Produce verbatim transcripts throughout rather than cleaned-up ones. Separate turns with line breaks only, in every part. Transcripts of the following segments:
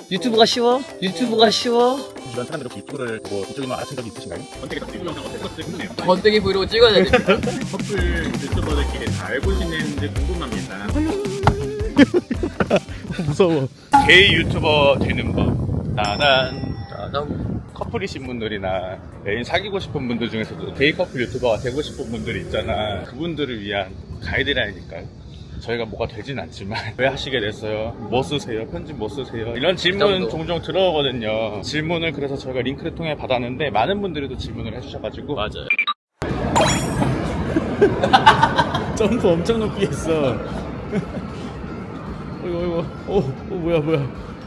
유튜브가 쉬워? 유튜브가 쉬워?
주변 사람들 혹시 유튜브를 보고 이쪽에만 알아챈 적이 있으신가요?
번데기 덕질 영상 어떻게 찍었을지 궁금해요.
번데기 브이로그 찍어야 됩니다.
커플 유튜버들끼리 다 알고 지내는지 궁금합니다.
무서워. 게이 유튜버 되는 법. 나난
짜잔.
커플이신 분들이나 애인 사귀고 싶은 분들 중에서도 게이 커플 유튜버가 되고 싶은 분들이 있잖아. 그분들을 위한 가이드라인이니까요. 저희가 뭐가 되진 않지만 왜 하시게 됐어요? 뭐 쓰세요? 편집 뭐 쓰세요? 이런 질문 종종 들어오거든요. 질문을 그래서 저희가 링크를 통해 받았는데 많은 분들이 또 질문을 해주셔가지고
맞아요.
점프 엄청 높이 했어. 어이구 어이구 오, 오 뭐야 뭐야.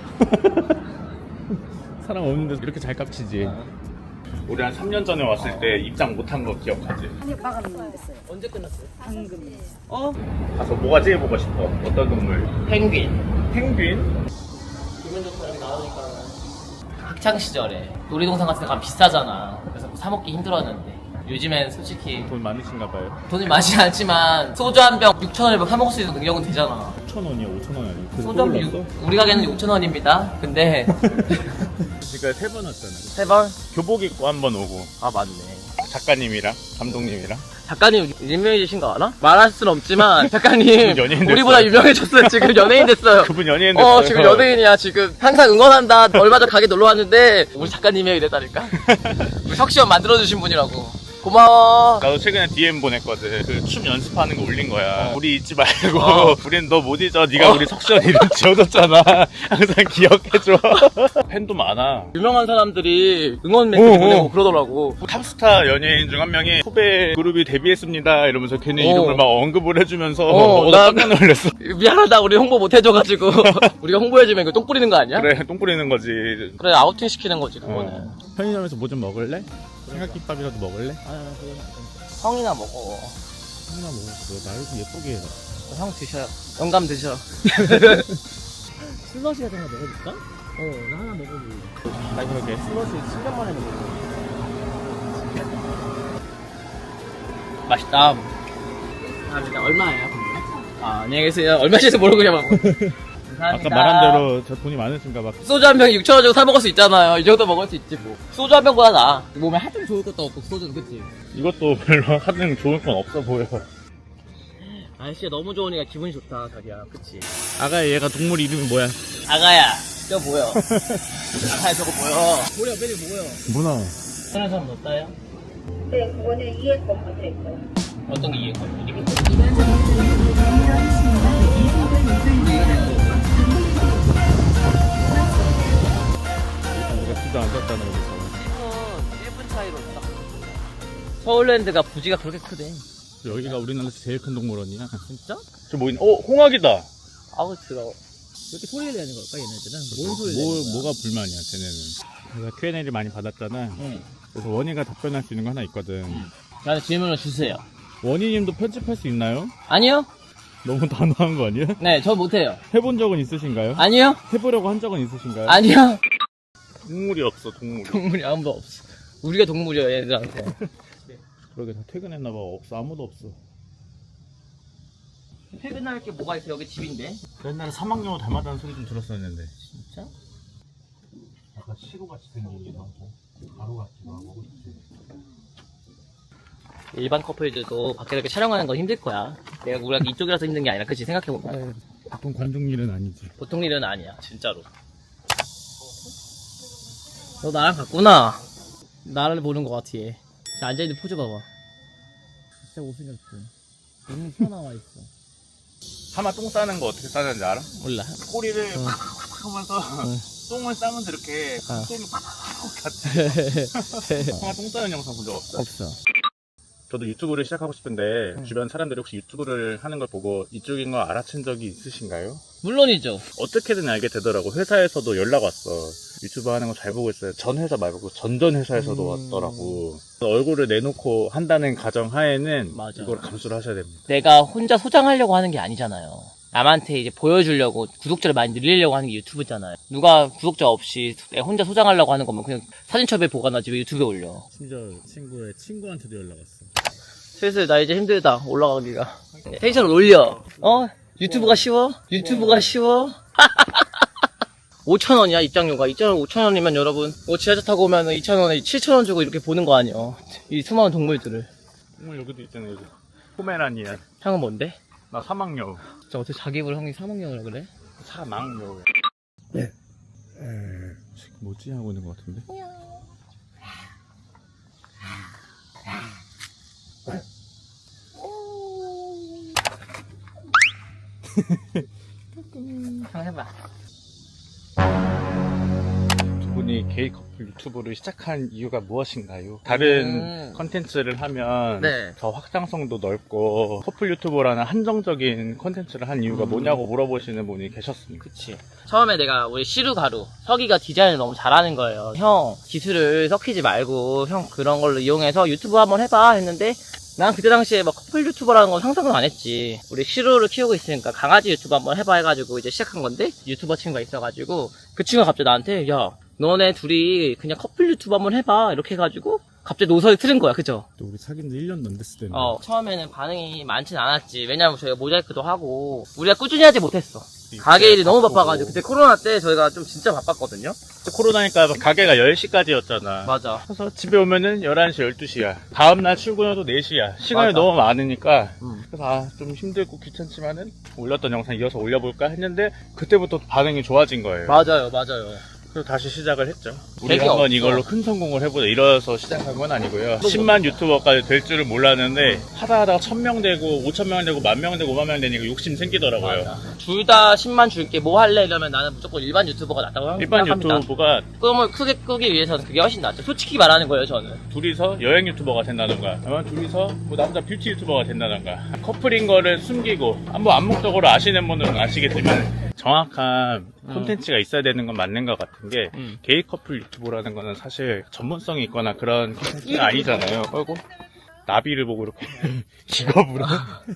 사람 없는데 이렇게 잘 깝치지. 우리 한 삼 년 전에 왔을 때 입장 못한 거 기억하지?
아니요, 마감은 됐어요.
언제 끝났어요?
방금.
어?
가서 뭐가 제일 보고 싶어? 어떤 동물?
펭귄.
펭귄?
기분 좋다 여기 나오니까. 학창 시절에 놀이동산 같은 데 가면 비싸잖아. 그래서 사 먹기 힘들었는데 요즘엔 솔직히
돈 많으신가 봐요.
돈이 많지 않지만 소주 한 병 육천 원에 사 먹을 수 있는 능력은 되잖아.
오천 원이야 오천 원 아니야?
소주 한 병 육- 우리 가게는 육천 원입니다. 근데
그러니까 세 번 왔잖아.
세 벌?
교복 입고 한 번 오고
아 맞네.
작가님이랑 감독님이랑
작가님 유명해지신 거 알아? 말할 순 없지만 작가님
연예인 됐어요.
우리보다 유명해졌어요. 지금 연예인 됐어요.
그분 연예인 됐어요.
어 지금 연예인이야. 지금 항상 응원한다. 얼마 전 가게 놀러 왔는데 우리 작가님이 이랬다니까. 우리 석시원 만들어주신 분이라고. 고마워.
나도 최근에 디엠 보냈거든. 그 춤 연습하는 거 올린 거야. 우리 잊지 말고
어.
우린 너 못 잊어. 네가
어.
우리 석시원 이름 지어줬잖아. 항상 기억해줘. 팬도 많아.
유명한 사람들이 응원 메시지
어,
보내고
어.
그러더라고.
탑스타 연예인 중 한 명이 후배 그룹이 데뷔했습니다 이러면서 걔네
어.
이름을 막 언급을 해주면서
어,
어,
나-
나 깜짝 놀랐어.
미안하다. 우리 홍보 못 해줘가지고 우리가 홍보해주면 이거 똥 뿌리는 거 아니야?
그래 똥 뿌리는 거지.
그래 아우팅 시키는 거지 그거는.
어. 편의점에서 뭐 좀 먹을래? 삼각김밥이라도 먹을래?
형이나 먹어.
하나 먹어. 나를 좀 예쁘게 해라.
형 드셔요. 영감 드셔.
슬러시 같은 거 먹어볼까? 어, 나 하나 먹어볼래.
나 그러게.
슬러시 칠 년 만에 먹어볼래.
맛있다. 감사합니다. 얼마예요? 아, 안녕히 계세요. 얼마인지 모르고 그냥 먹어.
아까 말한 대로 저 돈이 많으신가 봐.
소주 한 병 육천 원 주고 사 먹을 수 있잖아요. 이 정도 먹을 수 있지 뭐. 소주 한 병보다 나아.
몸에 하등 좋을 것도 없고, 소주는, 그치?
이것도 별로 하는 좋을 건 없어 보여.
날씨가 너무 좋으니까 기분이 좋다, 자기야. 그치?
아가 얘가 동물 이름이 뭐야?
아가야, 저 보여. 아가야, 저거 보여.
머리 앞에 뭐야?
문어.
하는 사람 없다요?
네, 그거는 이해 것만 될 거예요.
어떤 게 이해가 이게
우리가 비도 안 샀다는 거죠.
일 분 차이로 딱. 서울랜드가 부지가 그렇게 크대.
여기가 우리나라에서 제일 큰 동물원이야.
진짜?
저 뭐 있나? 어, 홍학이다.
아우, 들어.
이렇게 소리를 내는 걸까, 얘네들은? 뭔 소리를
뭐,
내는 거야?
뭐가 불만이야, 쟤네는. 내가 큐 앤 에이를 많이 받았잖아.
응.
그래서 원희가 답변할 수 있는 거 하나 있거든.
저한테 질문을 주세요.
원희님도 편집할 수 있나요?
아니요?
너무 단호한 거 아니야?
네, 저 못해요.
해본 적은 있으신가요?
아니요?
해보려고 한 적은 있으신가요?
아니요?
동물이 없어, 동물이.
동물이 아무도 없어. 우리가 동물이야, 얘들한테.
그러게 다 퇴근했나봐. 없어, 아무도 없어.
퇴근할 게 뭐가 있어? 여기 집인데?
옛날에 사막여우 닮았다는 소리 좀 들었었는데.
진짜?
약간 시로같이 생기기도 하고, 가루 같기도 하고, 그치?
일반 커플들도 밖에 이렇게 촬영하는 건 힘들 거야. 내가 우리가 이쪽이라서 힘든 게 아니라, 그치? 생각해보면.
보통 관중 일은 아니지.
보통 일은 아니야, 진짜로. 너 나랑 같구나. 나를 보는 것 같아, 얘. 자, 앉아있는 포즈 봐봐.
진짜 못생겼어. 너무 튀어나와 있어.
하마 똥 싸는 거 어떻게 싸는지 알아?
몰라.
꼬리를 팍팍 하면서 똥을 싸면서 이렇게
어.
똥이 팍팍 같이. 하마 똥 싸는 영상 본 적 없어?
없어.
저도 유튜브를 시작하고 싶은데 주변 사람들이 혹시 유튜브를 하는 걸 보고 이쪽인 거 알아챈 적이 있으신가요?
물론이죠.
어떻게든 알게 되더라고. 회사에서도 연락 왔어. 유튜브 하는 거 잘 보고 있어요. 전 회사 말고 전전 회사에서도
음.
왔더라고. 얼굴을 내놓고 한다는 가정 하에는
맞아.
이걸 감수를 하셔야 됩니다.
내가 혼자 소장하려고 하는 게 아니잖아요. 남한테 이제 보여주려고 구독자를 많이 늘리려고 하는 게 유튜브잖아요. 누가 구독자 없이 내가 혼자 소장하려고 하는 거면 그냥 사진첩에 보관하지 왜 유튜브에 올려.
심지어 친구의 친구한테도 연락 왔어.
슬슬 나 이제 힘들다 올라가기가. 텐션을 올려. 어? 유튜브가 쉬워? 유튜브가 쉬워? 오천 원이야 입장료가. 입장료 오천 원이면 여러분 뭐 지하철 타고 오면 이천 원에 칠천 원 주고 이렇게 보는 거 아니에요. 이 수많은 동물들을.
동물 여기도 있잖아요. 여기. 포메라니안.
형은 뭔데?
나 사막여우.
진짜 어떻게 자기 입으로 형이 사먹냐고 그래?
사막여우.
네.
지금 뭐지 하고 있는 것 같은데?
형 해봐.
두 분이 게이 커플 유튜브를 시작한 이유가 무엇인가요? 다른
음.
컨텐츠를 하면
네.
더 확장성도 넓고 커플 유튜버라는 한정적인 컨텐츠를 한 이유가
음.
뭐냐고 물어보시는 분이 계셨습니다.
그치. 처음에 내가 우리 시루가루, 석이가 디자인을 너무 잘하는 거예요. 형, 기술을 섞이지 말고, 형 그런 걸로 이용해서 유튜브 한번 해봐 했는데, 난 그때 당시에 막 커플 유튜버라는 건 상상은 안 했지. 우리 시루를 키우고 있으니까 강아지 유튜브 한번 해봐 해가지고 이제 시작한 건데, 유튜버 친구가 있어가지고, 그 친구가 갑자기 나한테, 야, 너네 둘이 그냥 커플 유튜브 한번 해봐. 이렇게 해가지고, 갑자기 노선이 틀은 거야. 그죠?
또 우리 사귄 지 일 년도 안 됐을 때는
어, 처음에는 반응이 많진 않았지. 왜냐면 저희가 모자이크도 하고, 우리가 꾸준히 하지 못했어. 가게 일이 너무 바빠가지고. 그때 코로나 때 저희가 좀 진짜 바빴거든요?
코로나니까 가게가 열 시까지였잖아.
맞아.
그래서 집에 오면은 열한 시, 열두 시야. 다음날 출근해도 네 시야. 시간이
맞아.
너무 많으니까.
음.
그래서 아, 좀 힘들고 귀찮지만은 올렸던 영상 이어서 올려볼까 했는데 그때부터 반응이 좋아진 거예요.
맞아요, 맞아요.
그래서 다시 시작을 했죠. 우리
되게
한번
없어.
이걸로 큰 성공을 해보자. 이래서 시작한 건 아니고요. 십만 유튜버까지 될 줄은 몰랐는데 하다 하다가 천 명 되고 오천 명 되고 만 명 되고 오만 명 되니까 욕심 생기더라고요.
둘 다 십만 줄게 뭐 할래 이러면 나는 무조건 일반 유튜버가 낫다고
일반
생각합니다.
유튜버가
꿈을 크게 꾸기 위해서는 그게 훨씬 낫죠. 솔직히 말하는 거예요, 저는.
둘이서 여행 유튜버가 된다던가 아니면 둘이서 뭐 남자 뷰티 유튜버가 된다던가 커플인 거를 숨기고 한번 암묵적으로 아시는 분은 아시겠지만 정확한 콘텐츠가 있어야 되는 건 맞는 것 같은 게
음.
게이 커플 유튜버라는 거는 사실 전문성이 있거나 그런 콘텐츠가 아니잖아요. 그리고 나비를 보고 이렇게 기겁으로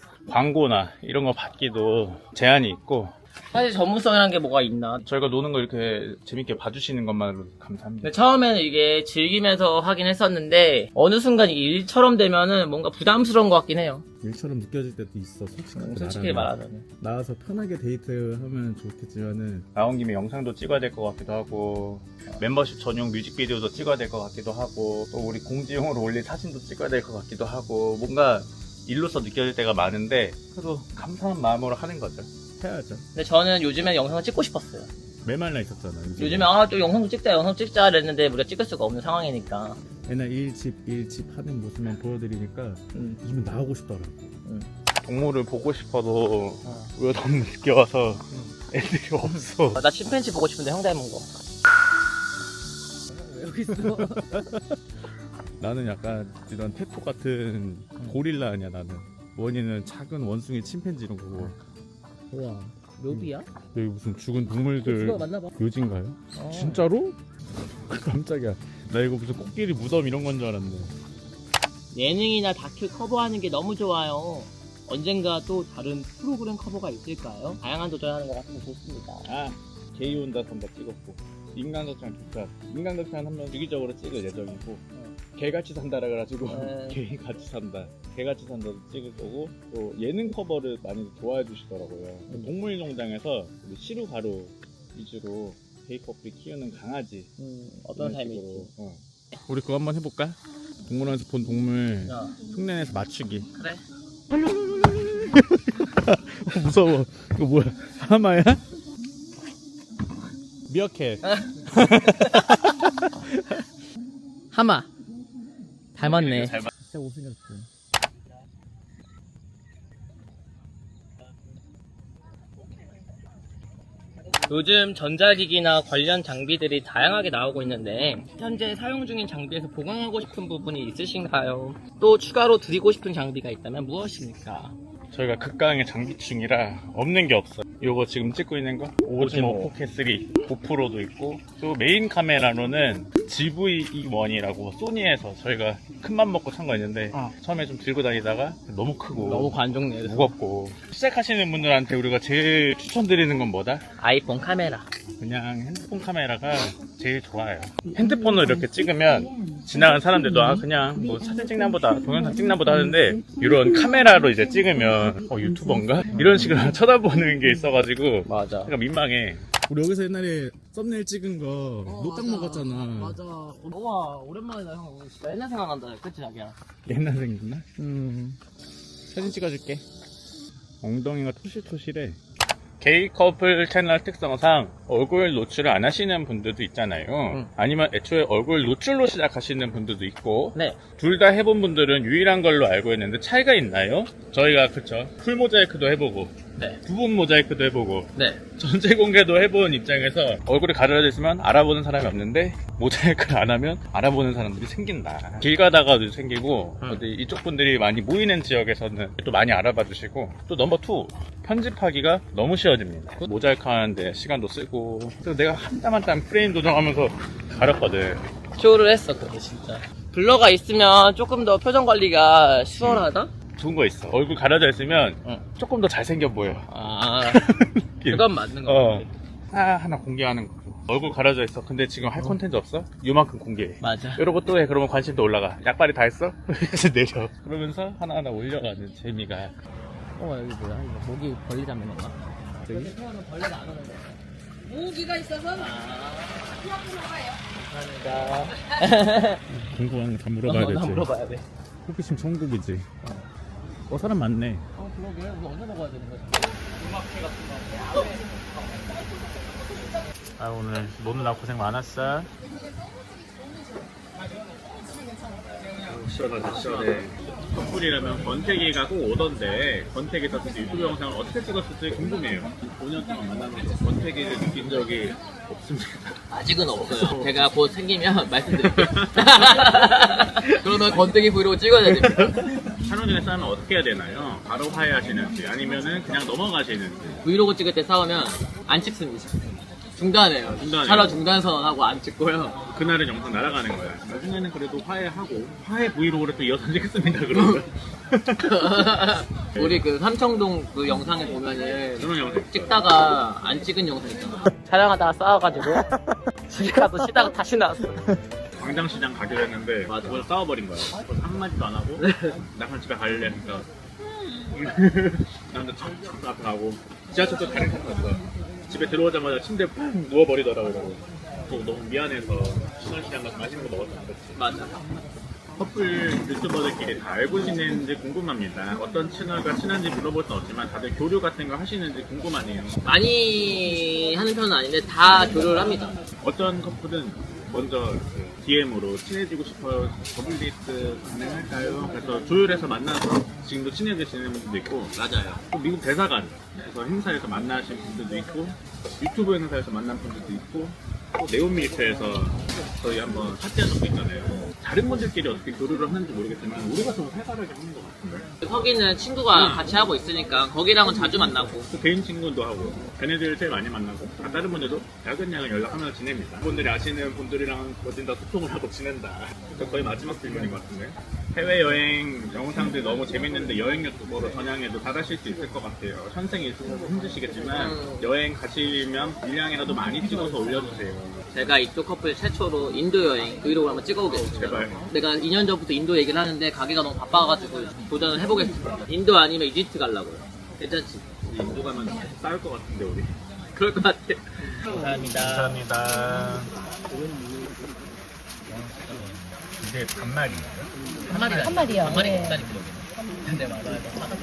광고나 이런 거 받기도 제한이 있고
사실 전문성이라는 게 뭐가 있나.
저희가 노는 거 이렇게 재밌게 봐주시는 것만으로도 감사합니다.
근데 처음에는 이게 즐기면서 하긴 했었는데 어느 순간 이게 일처럼 되면은 뭔가 부담스러운 것 같긴 해요.
일처럼 느껴질 때도 있어. 솔직하게,
솔직히
말하면.
말하자면.
나와서 편하게 데이트하면 좋겠지만은
나온 김에 영상도 찍어야 될 것 같기도 하고 멤버십 전용 뮤직비디오도 찍어야 될 것 같기도 하고 또 우리 공지용으로 올릴 사진도 찍어야 될 것 같기도 하고 뭔가 일로서 느껴질 때가 많은데 그래도 감사한 마음으로 하는 거죠.
해야죠.
근데 저는 요즘에 영상을 찍고 싶었어요.
메말라 있었잖아. 요즘에.
요즘에 아 또 영상도 찍자 영상 찍자 그랬는데 우리가 찍을 수가 없는 상황이니까.
옛날 일집 일집 하는 모습만 보여드리니까
음.
요즘에 나오고 싶더라고.
동물을 보고 싶어도 우리가 너무 늦게 와서 애들이 없어.
나 침팬지 보고 싶은데 형 닮은 거. 왜 여기 있어?
나는 약간 이런 태토 같은 고릴라 아니야 나는. 원인은 작은 원숭이 침팬지 이런 거고.
우와, 묘비야?
여기 무슨 죽은 동물들
그거 맞나봐.
묘지인가요?
어.
진짜로? 깜짝이야. 나 이거 무슨 코끼리 무덤 이런 건 줄 알았네.
예능이나 다큐 커버하는 게 너무 좋아요. 언젠가 또 다른 프로그램 커버가 있을까요? 다양한 도전하는 것 같아서 좋습니다.
아, 게이 온다 선다 찍었고 인간도창 기사 인간도창 한번 주기적으로 찍을 예정이고 개같이 산다라 그래가지고
네.
개 같이 산다 개같이 산다도 찍을 거고 또 예능 커버를 많이 좋아해 주시더라고요.
음.
동물농장에서 우리 시루 가루 위주로 게이 커플이 키우는 강아지
음, 어떤
이런
삶이
식으로.
있지?
어. 우리 그거 한번 해볼까? 동물원에서 본 동물
야,
흉내내서 맞추기.
그래.
어, 무서워. 이거 뭐야? 하마야?
미어캣.
하마. 닮았네.
잘 맞-
진짜 못생겼지.
요즘 전자기기나 관련 장비들이 다양하게 나오고 있는데 현재 사용 중인 장비에서 보강하고 싶은 부분이 있으신가요? 또 추가로 드리고 싶은 장비가 있다면 무엇입니까?
저희가 극강의 장비충이라 없는 게 없어요. 요거 지금 찍고 있는 거 오지모 포켓 쓰리 고프로도 있고 또 메인 카메라로는 지브이 원이라고 소니에서 저희가 큰맘 먹고 산 거 있는데
어.
처음에 좀 들고 다니다가 너무 크고
너무 관종네.
무겁고 시작하시는 분들한테 우리가 제일 추천드리는 건 뭐다?
아이폰 카메라.
그냥 핸드폰 카메라가 제일 좋아요. 핸드폰으로 이렇게 찍으면 지나가는 사람들도 아 그냥 뭐 사진 찍나 보다 동영상 찍나 보다 하는데 이런 카메라로 이제 찍으면 어 유튜버인가? 이런 식으로 쳐다보는 게 있어가지고
맞아.
약간 민망해.
우리 여기서 옛날에 썸네일 찍은 거
어,
노딱
맞아.
먹었잖아.
맞아. 우와, 오랜만이다, 형. 진짜 옛날 생각난다. 그치, 자기야?
옛날 생겼나?
음.
사진 찍어줄게. 엉덩이가 토실토실해.
게이 커플 채널 특성상 얼굴 노출을 안 하시는 분들도 있잖아요.
응.
아니면 애초에 얼굴 노출로 시작하시는 분들도 있고
네.
둘 다 해본 분들은 유일한 걸로 알고 있는데 차이가 있나요? 저희가 그쵸 풀 모자이크도 해보고
네.
부분 모자이크도 해보고
네.
전체 공개도 해본 입장에서 얼굴이 가려져 있으면 알아보는 사람이 없는데 모자이크를 안 하면 알아보는 사람들이 생긴다. 길 가다가도 생기고
응.
어디 이쪽 분들이 많이 모이는 지역에서는 또 많이 알아봐 주시고 또 넘버 투 편집하기가 너무 쉬워집니다. 모자이크 하는데 시간도 쓰고 그래서 내가 한 땀 한 땀 프레임 조정하면서 가렸거든.
쇼를 했어, 그게 진짜. 블러가 있으면 조금 더 표정 관리가 수월하다?
좋은 거 있어. 얼굴 가려져 있으면
응.
조금 더 잘생겨 보여.
아, 그건 맞는 거
어.
같아.
아, 하나 공개하는 거. 얼굴 가려져 있어. 근데 지금 할 콘텐츠 없어? 요만큼 공개해.
맞아.
이러고 또 해. 그러면 관심도 올라가. 약발이 다 했어? 그래서 내려. 그러면서 하나하나 올려가는 재미가.
어, 여기 뭐야? 이거 모기 벌리 잡는 건가?
저기?
태어는 벌레가 안 오는데. 모기가 있어서? 아, 감사합니다.
궁금한 거 다 물어봐야
어, 나
되지.
물어봐야 돼.
호기심 천국이지. 어, 사람 많네.
어, 그러게. 우리 언제 먹어야 되는 거지?
아, 오늘 노느라 고생 많았어.
시원하다 시원해. 커플이라면 권태기가 꼭 오던데 권태기 떴을 때 유튜브 영상을 어떻게 찍었을지 궁금해요. 오 년 동안 만나면서 권태기를 느낀 적이 없습니다.
아직은 없어요. 제가 곧 생기면 말씀드릴게요. 그러면 건더기 브이로그 찍어야 됩니다.
찬원이랑 싸우면 어떻게 해야 되나요? 바로 화해하시는지 아니면은 그냥 넘어가시는지.
브이로그 찍을 때 싸우면 안 찍습니다. 중단해요.
중단해요.
차라리 중단 선언하고 안 찍고요.
그날은 영상 날아가는 거야. 나중에는 그래도 화해하고 화해 브이로그를 또 이어서 찍습니다. 그러면
우리 그 삼청동 그 영상에 보면은
그런 영상
찍다가 안 찍은 영상 있잖아. 촬영하다가 싸워가지고 집에 가서 쉬다가 다시 나왔어.
광장시장 가기로 했는데
맞아.
그걸 싸워버린 거야. 그래서 한마디도 안 하고 나 그냥 집에 갈래. 그러니까 남자 착착 앞에 가고 지하철도 다른 칸 갔어. 집에 들어오자마자 침대에 푹 누워버리더라고요. 또 너무 미안해서 신월시장 가서 맛있는 거 먹었던 거지.
맞아.
커플 유튜버들끼리 다 알고 지내는지 궁금합니다. 어떤 채널과 친한지 물어볼 수 없지만 다들 교류 같은 거 하시는지 궁금하네요.
많이 하는 편은 아닌데 다 교류를 합니다.
어떤 커플은 먼저 디엠으로 친해지고 싶어요. 더블데이트 가능할까요? 그래서 조율해서 만나서 지금도 친해져 지내는 분들도 있고
맞아요.
또 미국 대사관에서 행사에서 만나신 분들도 있고 유튜브 행사에서 만난 분들도 있고 또 네온밀크에서 저희 한번 사태한 적도 있잖아요. 다른 분들끼리 어떻게 교류를 하는지 모르겠지만 우리가 좀 활발하게 하는 것 같은데.
서기는 친구가 같이 하고 있으니까 거기랑은 자주 만나고.
또 개인 친구도 하고 걔네들 제일 많이 만나고 아, 다른 분들도 작은 양은 연락하면서 지냅니다. 분들이 아시는 분들이랑 어딘 다 소통을 하고 지낸다. 그래서 거의 마지막 질문인 것 같은데. 해외여행 영상들 너무 재밌는데 여행 유튜버로 전향해도 잘하실 수 있을 것 같아요. 현생이 있어서 힘드시겠지만
음.
여행 가시면 일량이라도 많이 찍어서 올려주세요.
제가 이쪽 커플 최초로 인도 여행 브이로그를 한번 찍어보겠습니다.
제발.
내가 이 년 전부터 인도 얘기를 하는데 가기가 너무 바빠가지고 도전을 해보겠습니다. 인도 아니면 이집트 가려고요. 괜찮지?
인도 가면 싸울 것 같은데 우리.
그럴 것 같아. 감사합니다.
감사합니다. 이게 반말인가요?
한 마리
한 마리요.
한 마리
네.
비싸니 그러게. 근데 맞아요.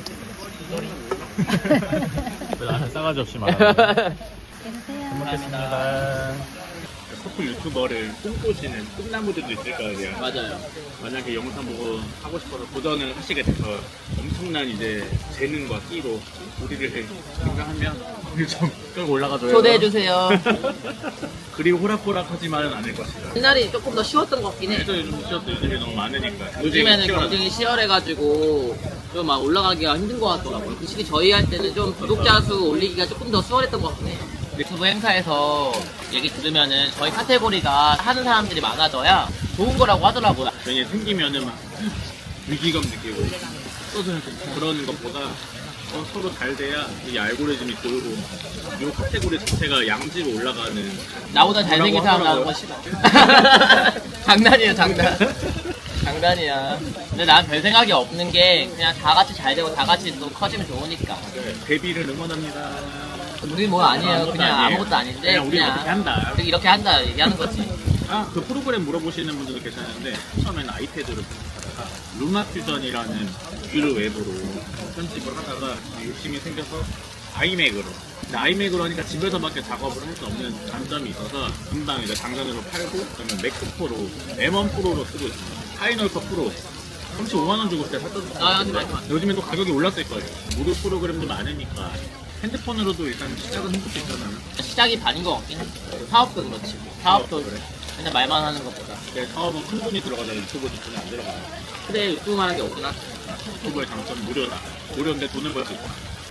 왜 나는 싸가지 없이 말하는
계세요.
감사합니다.
커플 유튜버를 꿈꾸시는 꿈나무들도 있을 거 아니에요.
맞아요.
만약에 영상 보고 하고 싶어서 도전을 하시게 돼서 엄청난 이제 재능과 끼로 우리를 생각하면 우리 좀 끌고 올라가줘요.
초대해주세요.
그리 호락호락하지만은 않을 것이다.
옛날이 조금 더 쉬웠던 것 같긴 해.
그래서 요즘 시어들이 너무 많으니까.
요즘에는
시원하다.
경쟁이 치열해가지고 좀 막 올라가기가 힘든 것 같더라고요. 확실히 저희 할 때는 좀 구독자 수 올리기가 조금 더 수월했던 것 같긴 해요. 유튜브 행사에서 얘기 들으면은 저희 카테고리가 하는 사람들이 많아져야 좋은 거라고 하더라고요.
괜히 생기면은 막 위기감 느끼고 또 그러는 것보다 어, 서로 잘 돼야 이 알고리즘이 돌고 이 카테고리 자체가 양지로 올라가는.
나보다 잘생긴 사람 나오는 건 싫어. 장난이에요, 장난. 장난이야. 근데 난 별 생각이 없는 게 그냥 다 같이 잘 되고 다 같이 또 커지면 좋으니까.
데뷔를 응원합니다.
우리 뭐 아니에요.
아무것도
그냥
아니에요.
아무것도 아닌데
그냥 우리
그냥
이렇게 한다.
우리 이렇게 한다 얘기하는 거지.
아, 그 프로그램 물어보시는 분들도 계셨는데 처음에는 아이패드로 하다가 루나 퓨전이라는 뷰를 웹으로 편집을 하다가 욕심이 생겨서 아이맥으로. 근데 아이맥으로 하니까 집에서밖에 작업을 할 수 없는 단점이 있어서 금방 이제 당근으로 팔고 그러면 맥북 프로, 엠 원 프로로 쓰고 있습니다. 파이널 컷 프로. 삼십오만 원 주고 그때 샀던
아, 근데
요즘에 또 가격이 올랐을 거예요. 무료 프로그램도 많으니까 핸드폰으로도 일단 시작은 해볼 수 있잖아요.
시작이 반인 것 같긴 해. 사업도 그렇지. 사업도
그래.
그냥 말만 하는 것보다.
근데 사업은 큰 돈이 들어가잖아요. 유튜브도 돈이 안 들어가요.
근데 유튜브만 하는 게 없구나.
유튜브의 장점 무료다. 무료인데 돈을 벌 수 있다.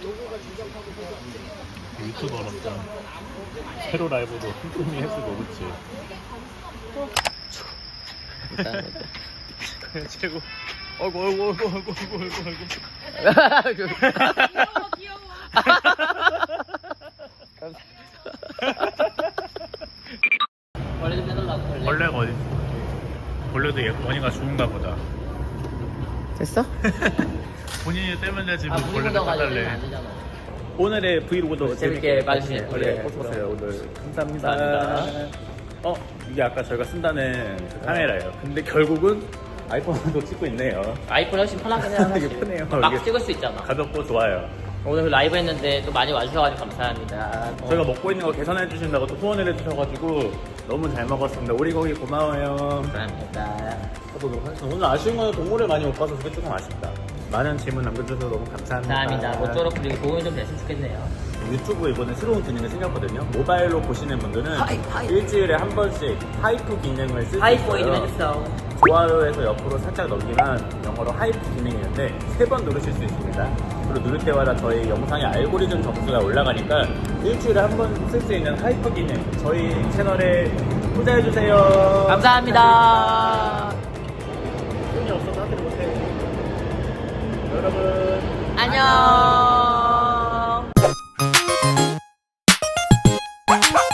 유튜버로서 새로 라이브도 틈틈이 했을 모르지. 그래 최고. 어이구 어이구 어이구 어이구 어이구 어이구 어이구.
벌레 좀 빼달라고 벌레.
벌레가 어디 있어? 벌레도 얘 원이가 죽은가 보다.
됐어?
본인이 떼면 되지
아,
뭐
물이
벌레도
묻어가지고
빼달래.
안 되잖아.
오늘의 브이로그도
재밌게 봐주시네요.
네,
네.
보셨어요. 오늘 감사합니다.
감사합니다.
어 이게 아까 저희가 쓴다는 그 카메라예요. 근데 결국은 아이폰으로 찍고 있네요.
아이폰 훨씬 편하긴 해요. 사실.
이게 편해요.
막
이게
찍을 수 있잖아.
가볍고 좋아요.
오늘 라이브 했는데 또 많이 와주셔가지고 감사합니다. 어.
저희가 먹고 있는 거 개선해 주신다고 또 후원을 해주셔가지고 너무 잘 먹었습니다. 오리고기 고마워요.
감사합니다.
해보도록 하겠습니다. 오늘 아쉬운 건 동물을 많이 못 봐서 그게 조금 아쉽다. 많은 질문 남겨주셔서 너무 감사합니다.
감사합니다. 모쪼록 그리고 도움이 좀 됐으면 좋겠네요.
유튜브 이번에 새로운 기능이 생겼거든요. 모바일로 보시는 분들은 일주일에 한 번씩 하이프 기능을 쓸 수
하이포이 좀
있어요.
해주세요.
좋아요에서 옆으로 살짝 넘기면 영어로 하이프 기능이 있는데 세 번 누르실 수 있습니다. 그리고 누를 때마다 저희 영상의 알고리즘 점수가 올라가니까 일주일에 한 번 쓸 수 있는 하이프 기능 저희 채널에 투자해주세요.
감사합니다.
돈이 없어서 하지 못해. 여러분
안녕.